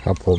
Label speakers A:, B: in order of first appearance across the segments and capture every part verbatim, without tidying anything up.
A: ครับผม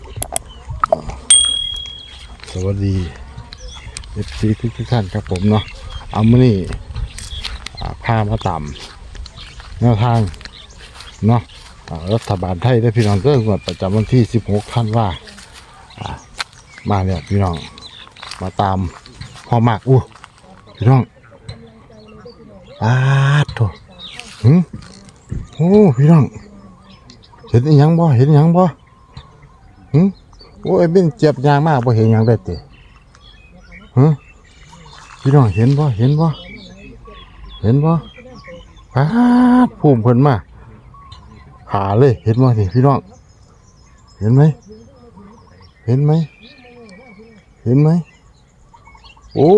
A: สวัสดีเอฟซีทุกท่านครับผมเนาะเอามานี่พามาต่ำแนวทางเนาะรัฐบาลไทยได้พี่น้องเริ่มงวดประจำวันที่สิบหกธันวามาเนี่ยพี่น้องมาตามพอมากอู้พี่น้องอาโถหึโอ้พี่น้องเห็นยังบ่เห็นยังบ่หึโอ้ยเป็นเจ็บยางมากบ่เห็นยังได้เตะหึพี่น้องเห็นบ่เห็นบ่เห็นบ่ปาดภูมิเพิ่นมาหาเลยเห็นบ่นี่พี่น้องเห็นไหมเห็นไหมเห็นไหมโอ้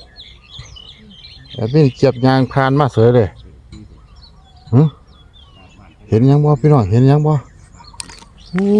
A: แต่เป็นเจ็บยางพานมาเสยเลยหึเห็นยังบ่พี่น้องเห็นยังบ่โอ้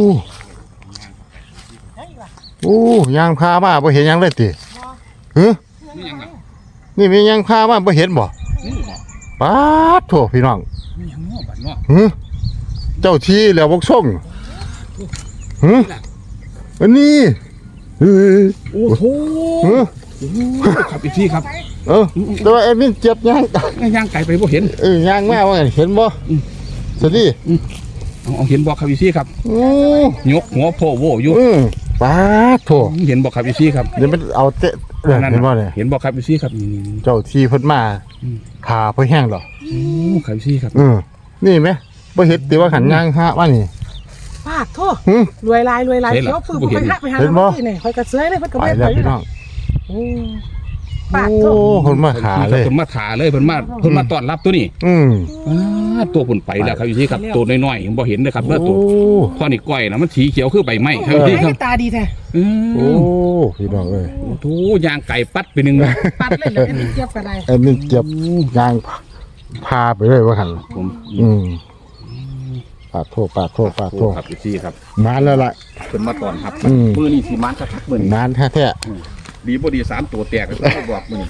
A: โอ้ยางพามาบ่เห็นยังเลยติหึนี่มียางพามาบ่เห็นบ่ป๊าดโถพี่น้องหึเจ้าที่แล้วบกส่งหึอันนี้เฮ้ย
B: โอ้โหครับอีกทีครับ
A: เออแต่ว่าไอ้มินเจ็บยาง
B: ย่างไก่ไปบ่เห็น
A: เออย่างแม่ว่าเห็นบ่สวัสดี
B: เอาเห็นบ่ครับอีกทีครับยกหัวโผล่โวอยู่
A: ป้าโถ
B: เห็นบ่ครับอีกทีครับ
A: เดี๋ยวมันเอาเตะเห็นบ่เนี่ย
B: เห็นบ่ครับอีกทีครับ
A: เจ้าที่เพิ่นมาขาเพิ่นแห้งหรอ
B: โอ้ครับอีกทีครับ
A: เออนี่ไหมบ่เห็นติว่าขันย่างฮะว่านี่
C: ป้าโทษรวยลายรวยลายเขียวฝืนไปหาไปหาเมื่อนี่คอยกระเซยเลยเพิ่นก็ไม่ไป
A: น้อง
C: ป้าโทษ
A: เพิ่นมาขาเลย
B: เพิ่นมาขาเลยเพิ่นมาเพิ่นมาต้อนรับตัวนี้
A: อืม
B: ตัวผุ่นไปแล้วครับอีกทีครับตัวน้อยๆบ่เห็นเลยครับเมื่อตัวข้อนี้ก้อยนะมันสีเขียวคือใบไม้ครับอีกทีครับ
C: ตาดีแท้
A: โอ้พี่น้องเอ้ย
B: โอ้โหยางไก่ปัดไปหนึ่งนะ
C: ปัดเลยแล้วเจ็บกันไร
A: ไอ้นี่เจ็บยางพาไปเลยว่าหัน
B: ผม
A: อืมปาดโทษปาดโทษปาดโทษ
B: ครับอีกทีครับ
A: นานแล้วล่ะ
B: เป็นมาตอนครับมือนี่สีมันชักมือน
A: านแท้แท้
B: ดีบ่ดีสามตัวแตกก็บอกมือ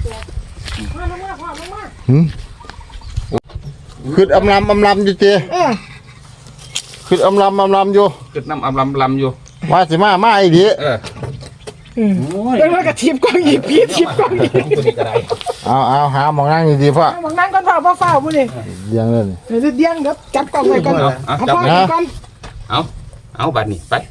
A: คืออำลำอำลำอยู่เจคืออำลำอำลำอยู่
B: คือน้ำอำลำลำอยู่
A: ว่าสิมามาไอ้ดี
B: เออ
C: เป็นว่ากระทิบกองหยิบพีทิบกองหยิบ
A: เอาเอาหาหมองนั่งดีๆพ่อ
C: หมองนั่งก่อนพ่อพ่อเฝ้าผู้นี่
A: เลี้ยงเลย
C: เดี๋ยวเลี้ยงเดี๋ยวจับกล่องไว้ก่อน
B: เอาจับไว้ก่อนเอาเอาบัดนี้ไป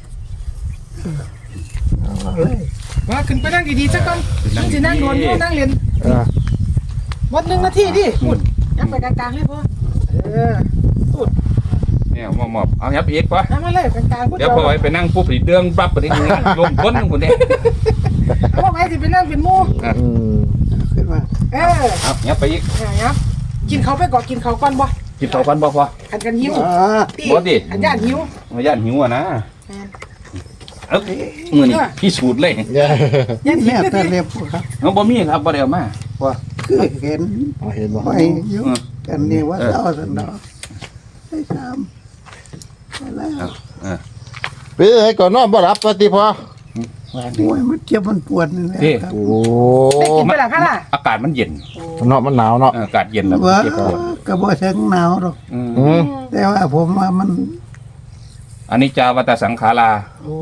C: มาขึ้นไปนั่งดีๆสักก่อนนั่งสินั่งนอนอยู่นั่งเรียนวัดหนึ่งนาทีดิพูดยับไปกลางๆเลยพ่อเออพูด
B: เนี่ยมอบมอบเอายับอีกป่ะ
C: นั่งมาเลยกลางๆพูด
B: เดี๋ยวพอไปนั่งปุ๊บสีเดืองปั๊บไปนี่ลงพ้นคนนี้
C: พ่อไปสิไปนั่งเป็นมู่
A: ขึ้นมา
C: เออ
B: เอายับไปอีก
C: ยับกินเขาไปก่อนกินเขาก่อนบ่
B: กินเขาก่อนบ่พอ
C: อันกันหิว
B: บ่ดิ
C: อันญาติหิว
B: ญาติหิวอ่ะนะเอ้ามือนี่พี่สูตรเลย
C: ยันเห็นแต่
D: เรียบครับ
B: น้องบ่มีครับบ่ได้เอามาว่า
D: คือเห็น
A: เห็นบ่
D: ไปอยู่กันนี่ว่าเจ้าสันดอกให้ทำแล้ว
A: ไปให้ก่อนนอนบ่รับปฏิพอ
D: โอ้ยมันเจ็บมันปวดนี่แหละ
A: โอ้
C: ได้กินไปแล้วค่ะล่ะ
B: อากาศมันเย็น
A: เนาะมันหนาวเนาะ
B: อากาศเย็นแล้ว
D: เจ็บปวดก็บ่ถึงหนาวหรอกแต่ว่าผมว่ามัน
B: อันนี้จาวัตสังขารา
A: โอ้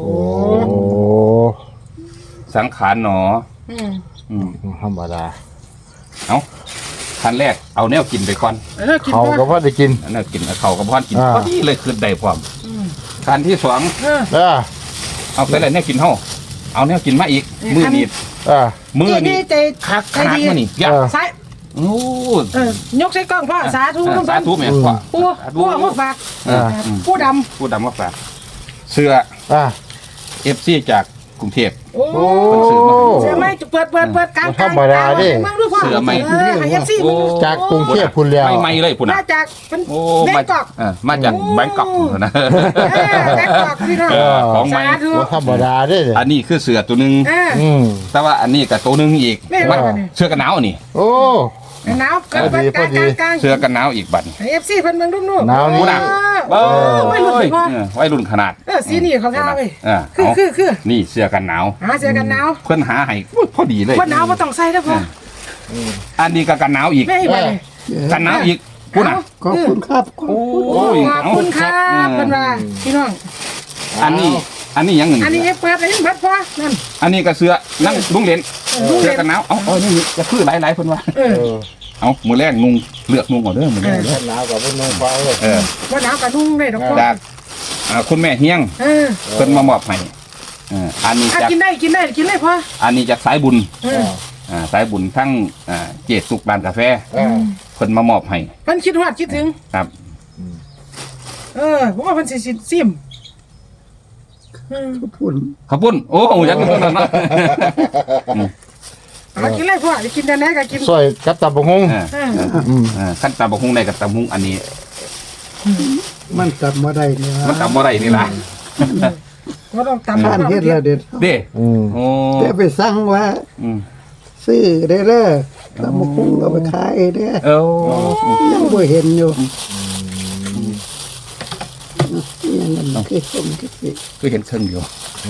B: สังขารหนอ
A: อืมธรรมดา
B: เอาขั้นแรกเอาแนวกินไปก่อน
A: เขาก็พอได้กิน
B: แนวกินเขาก็พอกินพอดีเลยคือได้พร้อมขั้นที่สองเอาไปเลยแนวกินเท่าเอาแนวกินมาอีกมือนี่มือนี่
C: คัก
B: ขนาดมือนี่ยาก
C: ใส่
B: โอ้
C: ยกใส่กล้องพ่อสาธุ
B: สาธุแม่พ่อ
C: ผู้ผู้มาฝากผู้ดำ
B: ผู้ดำมาฝากเสื้อเอฟซีจากกรุงเทพ
C: โอ้เสื้อไม่เปิดเปิดเปิดกลาง
A: ธรรมดาดิ
B: เสื้อไม่
A: จากกรุงเทพคุณเลี้ยว
B: ไม่ไม่เลยคุณ
C: มาจากเป็น
B: แบงกอกมาจากแบงกอกนะ
C: แบงกอกพี่น้อง
B: ของไม่
A: ธรรมดาดิ
B: อันนี้คือเสื้อตัวนึงแต่ว่าอันนี้กับตัวนึงอีกเสื้อกันหนาวนี่
A: โอ้
C: หนาวกันกลางกลาง
B: เสื้อกันหนาวอีกบัด
C: เอฟซีเพิ่นเบิ่งรุ่นนู่น
A: หนาวนี่
B: ไว้รุ่นไว้รุ่นขนาด
C: เออสีนี่เขาท่าไปคือคือคือ
B: นี่เสื้อกันหนาว
C: หาเสื้อกันหนาว
B: เพิ่นหาให้พอดีเลย
C: คนหนาวบ่ต้องใส่แล้วพ่อ
B: อันนี้ก็กันหนาวอีกกันหนาวอีกพูดนะ
D: ขอบคุณครับ
B: โอ้
C: ยขอบคุณครับเพิ่นว่าพี่น้อง
B: อันนี้ อันนี้ยังหนึ่ง
C: อันนี้เปิดอันนี้เปิดพ่อนั่น
B: อันนี้ก็เสื้อนั่งลุงเหรียญ
C: ลุงเหรี
B: เสื้
C: ย
B: อ
C: ญ
B: กันหนาวเอาเอานี่จะคือหลายหลายๆเพิ่นว่า
C: เออ
A: เออ
B: เอามือแรกนุงเลือกนุงก่อนเด้อมือแรกเด้อ
A: หนาวกับพวกน้องฟ้าเลย
B: เออ
C: ว่าหนาวกับนุ่งได้ดอกพ่อ
B: จากอ่าคุณแม่เฮียง
C: เออ
B: เพิ่นมามอบให้เอออันนี้
C: อ่ะ
B: จาก
C: กินได้กินได้กินเลยพ่อ
B: อันนี้จากสายบุญ
C: เออ
B: อ่าสายบุญทั้งอ่าเจดสุกร้านกาแฟ
A: เออ
B: เพิ่นมามอบให้
C: เพิ่นคิดฮอดคิดถึง
B: ครับ
C: เออผมว่าเพิ่นสิสิซิมอืม
D: ก็พุ่น
B: ขอบคุณโอ้โหยักษ์ตัวนั้นเนาะ
C: เอากินเลยพ่อจะกินแต่ไหนก็กิน
A: ซอยกับตับบกฮง
B: เออ
C: เออ
A: อืม
B: เออขั้นตำบักหุ่งได้กับตำหุ่งอันนี้
D: มันกลับมาได้เนี่ย
B: มันตำบ่ได้นี่ล่ะ
C: บ่ต้องตำ
D: ท่านเฮ็ดแล้วเด็ด
B: เด้
A: อืม
B: โอ้
D: แต่ไปสั่งว่า
B: อืม
D: ซื้อได้เด้อตำบักหุ่งเอาไปขายเด้อ
B: เอ้า
D: ยังบ่เห็นอยู่ยังนั่นคือสมคิดสิ
B: ก็เห็นเครื่องอยู่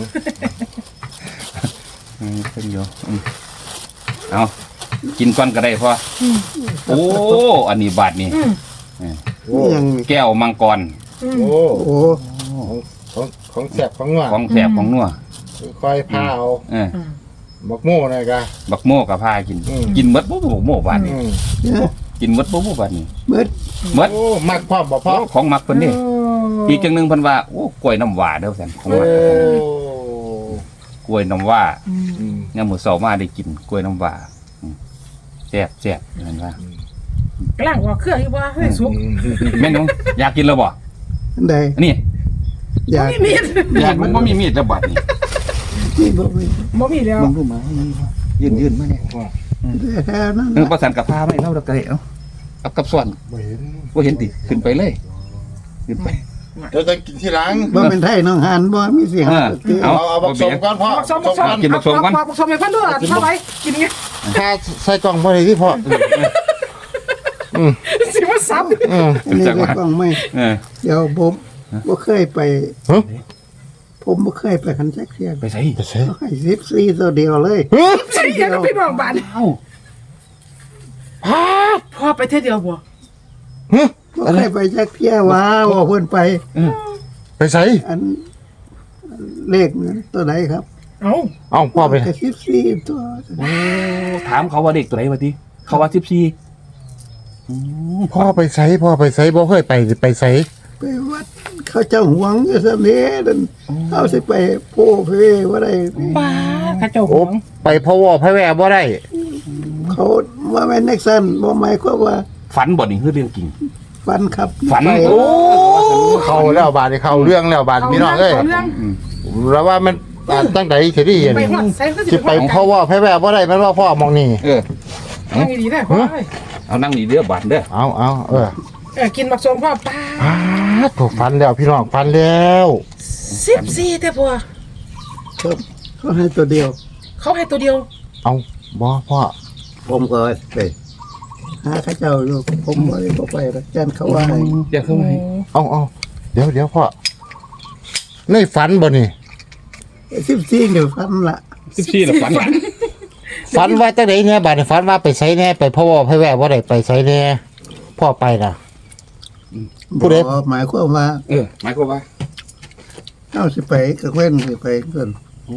B: อืมเครื่องอยู่อืมเอากินก่อนก็ได้พอโอ้อันนี้บาทนี่
C: อืม
A: โอ้
D: ยัง
B: แก้วมังกร
C: อืม
A: โอ้
D: โอ้
A: ของของแสบของนัว
B: ของแสบของนัว
A: คอยพาเอา
B: เออ
A: บักโม่หน่อยกะ
B: บักโม่กับพากิน
A: อืม
B: กินหมดบ่บักโม่บาทนี่
A: อืม
D: เนี่ย
B: กินหมดบ่บ่บาทนี่
D: เบิด
B: หมด
A: โอ้มักความบ่พอ
B: ของมักเพิ่นนี่
C: โ
B: อีกจังหนึงเพิ่นว่าโอ้กล้วยน้ำว้าเด้อแซ่นของ
A: โอ้
B: มักกล้วยน้ำว้า
C: อืม
A: อืม
B: ยามมื้อเช้ามาได้กินกล้วยน้ำว้าอืมแซ่บแซ่บเห็นว่า
C: กำลังว่าเครื่องอยู่บ่ให้สุก
B: แม่นบ่อยากกินแล้วบ่
D: อันใด
B: อันนี้
D: อยาก
C: บ่มีมีด
B: อยากมันบ่มีมีดแล้วบัดนี้
D: นี่บ่มี
C: บ่มีแล้ว
B: มึงรู้มายืนยืนมาเนี่ย
D: แต่แท้นั้น
B: เออประสานกับผ้าไม่เล่าดอกกระเดะเนาะเอากับส่วน
A: บ่เห็น
B: ว่าเห็นติขึ้นไปเลยขึ้นไป
A: เดี๋ยวจะกินที่หลัง
D: บ่เป็นไทยน้องหานบ่มีเสียง
B: เออ
A: เอาเอาบักสมก่อนพ่อ
C: บักสมบักสม
B: กินบักสมก่อน
C: บักสมให้เพิ่นด้วยเท่าไหร่กินไง
A: ถ้าใส่กล่องบ่ได้ที่พ่ออืม
C: สิว่าซ้ำ
A: อืม
D: อันนี้ก็ต้องไม่
B: เออ
D: เดี๋ยวผมบ่เคยไป
A: ฮะ
D: ผมบ่เคยไปคันแท็กเสีย
B: ไปใส่
A: ไปใส่
D: เขาให้สิบสี่ตัวเดียวเลย
A: ฮะ
C: ใช่ยังพี่น้องบ้าน
B: เอ้า
A: พาด
C: พ่อไปเท่ยวเดียวบ่
A: ฮะ
D: บ่เคยไปแท็กเสียว่าว่าเพิ่นไป
A: ไปใส่
D: อันเลขนั้นตัวไหนครับ
C: เอ้า
A: เอาพ่อไป
D: ก็สิบสี่ตัว
B: โอ้ถามเขาว่าเด็กตัวไหนวะทีเขาว่าสิบสี่
A: พ่อไปใส่พ่อไปใส่บ่เคยไปไปใส่
D: ไปวัดเขาเจ้าหวงอยู่ซะนี้นั่นเอาสิไปโพเพว่าได้
C: ป้าข้าเจ้าห
A: โอ้
C: วง
A: ไปพ่อวอพ่อแว่บ่ได้
D: เขาว่าแม่นเน็กซันบ่หมายความว่า
B: ฝันบ่นี่คือเรื่องจริง
D: ฟันครับ
B: ฝัน
D: ไป
A: โอ้เข้าแล้วบาดนี้เข้าเรื่องแล้วบาดพี่น้องเอ้ย
C: าเรื่อง
A: แล้วว่ามันอ่าตั้งแต่สิได้เห็น
C: ไปฮอดใส่ก็
A: สิไปพ่อวอพ่อแว่บ่ได้แม่นว่าพ่อมองนี่
B: เออ
C: นั่งดีๆได้พ่อเอ้ย
B: เอานั่งนี่เด้อบาดเด้อ
A: เอาเอาเออ
C: เออกินบักสมพ่อป้า
A: อ้าถูกฟันแล้วพี่น้องฟันแล้ว
C: สิบสี่แต่พ่อ
D: ครับเขาให้ตัวเดียว
C: เขาให้ตัวเดียว
A: เอาบ่พ่อ
D: ผมก็ไปหาเขาเจ้าอยู่ผมบ่ได้บ่ไปหรอกจันเขาว่าให้
B: เดี๋ยวเข้ามา
A: เอาเอาเดี๋ยวเดี๋ยวพ่อในฝันบ่นี่
D: สิบสี่เดี๋ยวฟันละ
B: สิบสี่แล้วฝัน
A: ฝันว่าจังไดเนี่ยบาดนี้ฝันว่าไปไสแน่ไปพ่อวอพ่อแว่บ่ได้ไปไสแน่พ่อไปน่ะ ผู้ใด
D: บ่หมายความว่า
B: เออหมายความว่า
D: เอาสิไปก็เว้นสิไปเพิ่น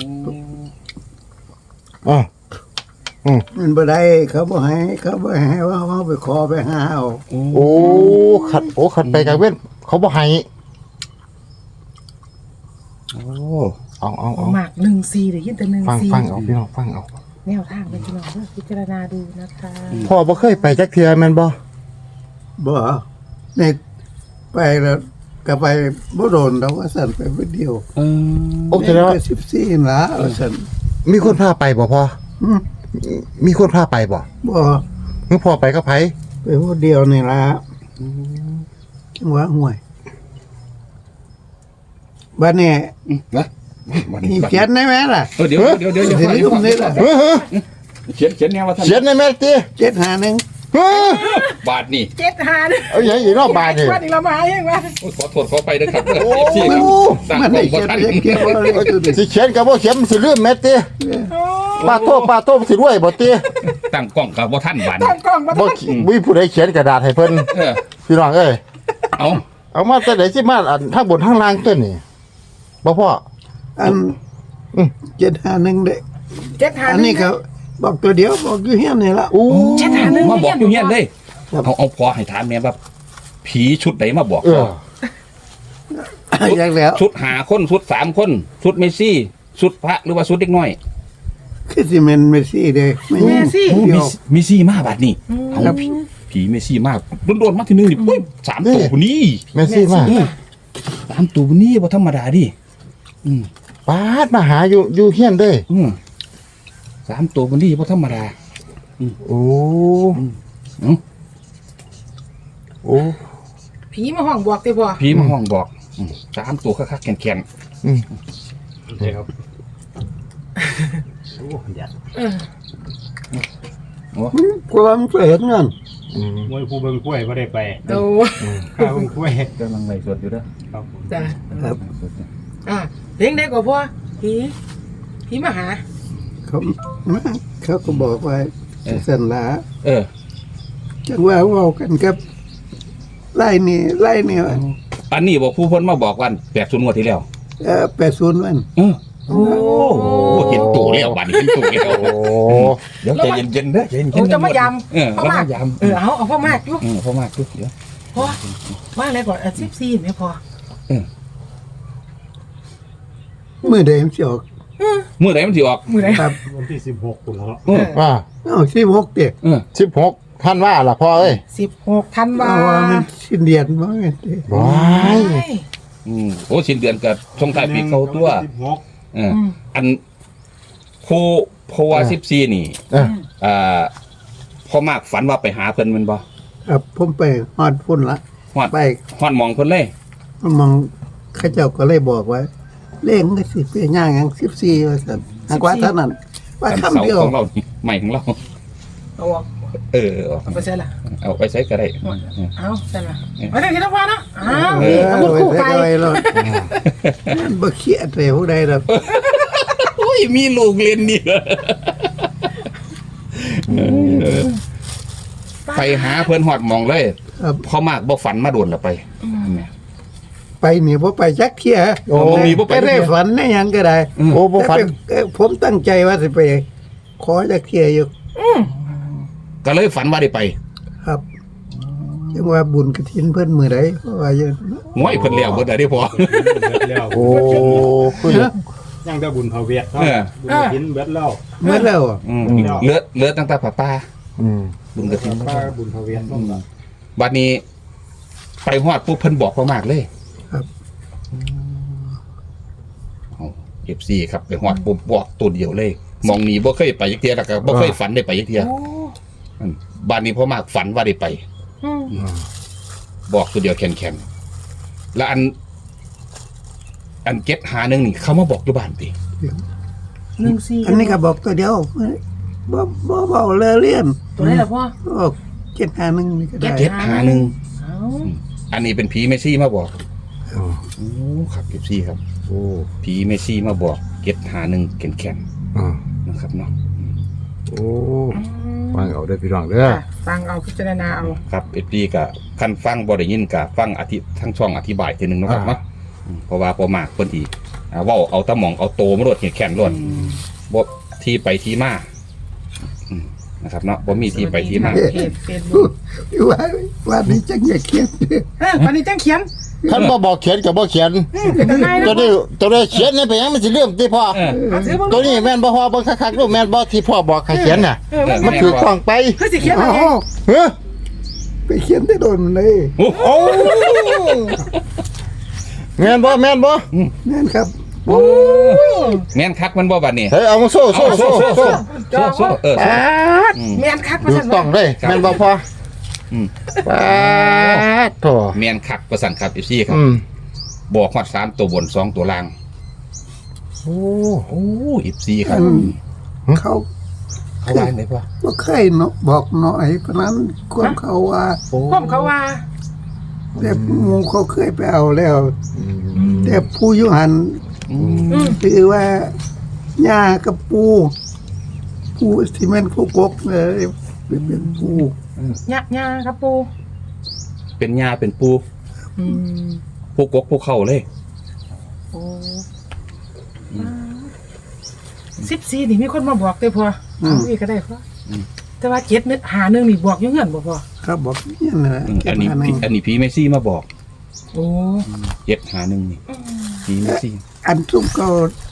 A: อ๋อ
D: มันบ่ได้เขาบ่ให้เขาบ่ให้ว่าเอาไปขอไปหาเอา
A: โอ้ขัดโอ้ขัดไปกลางเว้นเขาบ่ให้
B: โอ้
A: เอาเอาเอา
C: หมากหนึ่งสี่เดี๋ยวยินแต่หนึ่ง
A: ฟัง
C: สี่
A: ฟังเอาพี่น้องฟังเอา
C: แนวทางเป็นพี่น้องเพื่อพิจารณาดูนะคะ
A: พ่อบ่เคยไปจักเทื่อแม่นบ่
D: บ่ในไปแล้วก็ไปบ่โดนดอกว่าสั่นไปผู้เดียว
B: เออ
A: โอ้แสดงว่า
D: สิบสี่ละว่าสั่น
A: มีคนพาไปบ่พ่อ
D: อืม
A: มีคนพาไปบ่
D: บ่
A: มึงพ่อไปกับไผ
D: ไปผู้เดียวนี่ละจังหวะห่วยบัดนี้
B: นะวัน
D: มี
B: นี้
D: เขียนได้ไหมล่ะ
B: เออเดี๋ยวเดี๋ยวเดี๋ยวเดี๋ยว
D: สิลืมนี่ล่ะ
A: เฮ้อ
B: เขียนเขียนแนวว่าท่าน
A: เขียนในแม่ติ
D: เจ็ดหาหนึ่ง
A: เฮ้อบ
B: าทนี่
C: เจ็ดหาเนี่ย
A: เอาอย่างอีกรอบบาดนี่
C: วันนี้เรามาเองวะ
B: โอ้ยขอโทษขอไปนะครับ
A: โอ้
B: ที่
A: มัน
B: สั่ง
D: มัน
B: ข
D: ได้
B: องบ่
D: เขียน
B: ทัน
D: เขียนว่าเลขตัวนี้
A: สิเขียนก็บ่เขียนมันสิลืมแม่ติป้าโตป้าโตสิรวยบ่ติ
B: ตั้งกล้องกับบ่ทันบาท
C: ตั้งกล้องมา
A: บ่มีผู้ใดเขียนกระดาษให้เพิ่น
B: เออ
A: พี่น้องเอ้ย
B: เอา
A: เอามาแต่ไหนสิมาอันทั้งบนทั้งล่างตัวนี่บ่พ่อ
D: อัน
A: อืม
D: เจ็ดห้าหนึ่งเด้
C: เจ็ดหา
D: อันนี้เขาบอกตัวเดียวบอกอยู่เฮียนนี่ละ
A: อู้
C: เจ็ดหาหนึ่ง
B: มาบอกอยู่เฮียนเลย
D: ครับ
B: เอาเอาพอให้ถามแม่ว่าผีชุดไหนมาบอก
A: เอ
B: พ่อ
A: อ
D: อยากแล้ว
B: ชุดหาคนชุดสามคนชุดเมสซี่ชุดพระหรือว่าชุดเด็กน้อย
D: คือสิเมนเมสซี่เด้ไม่
C: แม่
D: ใช่
C: สิ
B: โอ้เมสเมสซี่มาบัดนี้เอา
D: ครับ
B: ผีผีเมสซี่มากโดนๆมาทีนึงนี่ปุ้ยสามตัวคนนี้
A: แม่ซี่มา
B: สามตัวคนนี้บ่ธรรมดาดิอืม
A: ปาดมาหาอยู่อยู่เฮียนเด้ย
B: อืมสามตัวคนนี้บ่ธรรมดา
A: โอ้
B: เอ้า
A: โอ้
C: ผีมาห้องบอกติพ่อ
B: ผีมาห้องบอกอืมสามตัวคักๆแข็ง
A: อืม
E: ใช่ครับ
C: เออ
D: ความเห็นนั่น
A: อืม
E: มวยผู้เบิ่งกล้วยไม่ได้ไป
C: โต
E: ข้าวเบิ่งกล้วย
B: ๆกำลังไล่สดอยู่เด้อ
E: ครับผม
C: จ้ะ
D: ครับ
C: อ่ะเลี้ยงได้กว่าพ่อผีผีมาหา
D: เขามาเขาก็บอกว่าสันลา
B: เออ
D: จังว่าเว้ากันกับไล่นี่ไล่นี่ว่า
B: อันนี้บอกผู้เพิ่นมาบอกวันแปดศูนย์งวดที่แล้ว
D: เออแปดศูนย์วัน
B: เออโอ้โหเห็นตัวแล้วบัดนี้เห็นตัวแล้ว
A: โอ้
B: เดี๋ยวใจเย็นๆเด้อใจเย็นๆ
C: โอ้จะมาย
B: เออ
C: ำพ่อ
B: แล้ว
C: มาก
B: มายำ
C: เออเอาเอาพ่อมากอยู่
B: เออพ่อมากดูเดี๋ยว
C: พ่อว่าอะไรก่อนอ่ะสิบสี่ไม่พอ
D: มือเดิมสิออก
B: เมื่อไหร่มันสิออก
C: มือไหน
D: ครับ
E: วันที่สิบหกตุลา
B: เออ
A: อ่า
D: เอาสิบหกเด็ก
B: เออ
A: สิบหกท่านว่าล่ะพ่อเอ้ย
C: สิบหกธันวา
D: เอาว่ามันสิ้นเดือนบ่แม่นเด้
A: ว้าย
B: อืมโอ้สิ้นเดือนกับช่วงท้ายปีเข้าตัว
E: สิบหก
B: เอออันโพโพวาสิบสี่นี่
A: เออ
B: อ่าพ่อมากฝันว่าไปหาเพิ่นแมันบ่
D: ครับผมไปฮอดพุ่นละ
B: ฮอด
D: ไป
B: ฮอดหมองเพิ่นเลย
D: มันมองเข้าเจ้าก็เลยบอกว่าเลขมันก็สิเป็นย่างหยังสิบสี่ว่าซั่นหากว่าเท่านั้น ว่า
B: อัน
D: คำ
B: เสา
D: เดียว
B: ของเรานี่ใหม่ของเรา
C: เอาออก
B: เออเอา
C: เอาไปใช่ละ
B: เอาไปใช้ก็ได้
C: เอาใช่ละมาได้ที่น้ำฟ้าเนาะอ้าว
D: เอ
C: นี่
D: อ
C: อาวุธ
D: ไว้
C: คู่
D: ใส่
C: ไก่
D: ไว้แล้วมันบ่เครียดเลยผู้ใดดอก
B: โอ้ยมีลูกเรียนนี่เหรอเออไปหาเพิ่นฮอดหมองเลย
D: ครับ
B: พ่อมากบ่ฝันมาโดนละไปเนี่ย
D: ไปนี่บ่ไปจักเที่ย
B: โอ้บ่มีบ่ไป
D: แต่ได้ฝันได้หยังก็ได้
A: โอ้บ่ฝัน
D: แต่ไปเอ่อผมตั้งใจว่าสิไป ขอจักเที่ยอยู่
B: ก็เลยฝันว่าได้ไป
D: ครับจังว่าบุญกฐินเพิ่นมื้อใดเพราะว่าอยู่
B: ง้อยเพิ่นแล้วเบิดได้พอ
E: เบิดแล้ว
A: โอ้คือ
E: ยังได้บุญเผาเวียดเนาะ
B: เออ
E: บุญหินเบิดแล้ว
D: เมื่อแล้วอะ
B: อืมเหลือเหลือตั้งแต่ป้าป้า
A: อืม
B: บุญกระถิ่น
E: ป้าบุญเผาเวียดต้องแบบ
B: บัดนี้ ไปฮอดปุ๊บเพิ่นบอกพ่อมากเลย
D: ครับ
B: เอาเอฟซีครับไปฮอดปุ๊บบอกตัวเดียวเลย มองหนีบ่เคยไปยักเทียแล้วก็บ่เคยฝันได้ไปยักเทีย
C: โอ้
B: อืมบัดนี้พ่อมากฝันว่าได้ไป
C: อืม
B: บอกตัวเดียวแข็งๆแล้วอัน อันเก็ตหาหนึงนี่เขามาบอกอยู่บ้านติ
C: หนึ่งสี่
D: อันนี้ก็บอกตัวเดียวบ่บ่เบาเลยเลี่ยน
C: ตัวไหนล่ะพ่อ
D: บอกเจ็ดห้าหนึ่งนี่ก็ได้
B: เก็ตหาหนึง
C: เอา
B: อันนี้เป็นผีเมสซี่มาบอก
A: อ๋อ
B: โอ้ครับเอฟซีครับ
A: โอ้
B: ผีเมสซี่มาบอกเก็ตหาหนึงแข็ง
A: อ่า
B: ๆนะครับเนาะ
A: โอ้ฟังเอาได้อพี่น้องเด้อ
C: ค่ะฟังเอาพิจารณาเอา
B: ครับเอฟซีกับคันฟังบ่ได้ยินกับฟังอธิทั้งช่องอธิบายทีหนึงเนาะครับเนาะอืมเพราะว่าพอมากเพิ่นที่อ่าเว้าเอาตะหมองเอาโตมาโดดแข็งๆโลดบ่ที่ไปที่มาอืมนะครับเนาะบ่มีที่ไปที่มา
C: เพจเฟซบุ๊ก
D: ว่าว่านี่จังอย่าเครียด
C: เออวันนี้จังเขียน
A: ท่านบ่บอกเขียนกับบ่เขียน
C: อืมเป็นทนาย
A: ตัว
C: นะ
A: นี้ตัวนี้เขียนนี่ไปยังมันสิเรื่องที่พ่อ
B: เออ
C: เอาถือบ้าง
A: ตัวนี้แม่นบ่พ่อเบิ่งคักๆดูแม่นบ่ที่พ่อบอกให้เขียนน่ะ
C: เออมัน
A: มันถือกล้องไป
C: เฮ้ยสิเขียน
D: อ๋
C: อะไร
D: อ
A: เฮ้อ
D: ไปเขียนได้โดนเลย
B: โอ้
A: โอ้แม่นบ่แม่นบ่
D: นั่นครับ
B: แม่นคักมันบ่บัดนี้
A: เฮ้ยเอามาโซ่โซ่โซ่โซ่
B: โซ่โซ่เออ
A: ปาด
B: อืม
C: แมนคักมา
A: ถู
C: สั่
A: ก
C: น
A: ต้องเลยแม่นบ่พ่อ
B: อืม
A: ปาดโถ
B: แม่นคักประสันครับเอฟซีครับ
A: อืม
B: บอกฮอดสามตัวบนสองตัวล่าง
A: โอ้
B: โอ้เอฟซีครับ
D: อืม เขา
B: เขาว่าไหนพ่อ
D: บ่เคยเนาะบอกหน่อยเพราะนั้นความเขาว่า
B: โอ้
C: พ่อมเขาว่า
D: แต่หมูเขาเคยไปเอาแล้ว
A: อืม
D: แต่ผู้อยุหัน
B: อืม
C: อืม
D: ถือว่าหญ้ากับปูปูที่มันคู่กกเลยเป็นปู
C: หยะหยาครับปู
B: เป็นยาเป็นปู
C: อืม
B: ผู้กกผู้เข้าเลย
C: โอ้สิบสี่นี่มีคนมาบอกเด้อพ่อเอาอีกก็ได้พ่ออแต่ว่าเจ็ดนึกหาหนึ่งนี่บอกอยู่เงื่อนบ่พ่อ
D: ครับบอกเนี่ยนะ
B: อืมอันนี้
D: เก็บมา
B: พี่อันนี้พี่เมซี่มาบอก
C: โอ้
B: เจ็ดหาหนึ่งนี่พี่เมซี่
D: อันซุ่มก็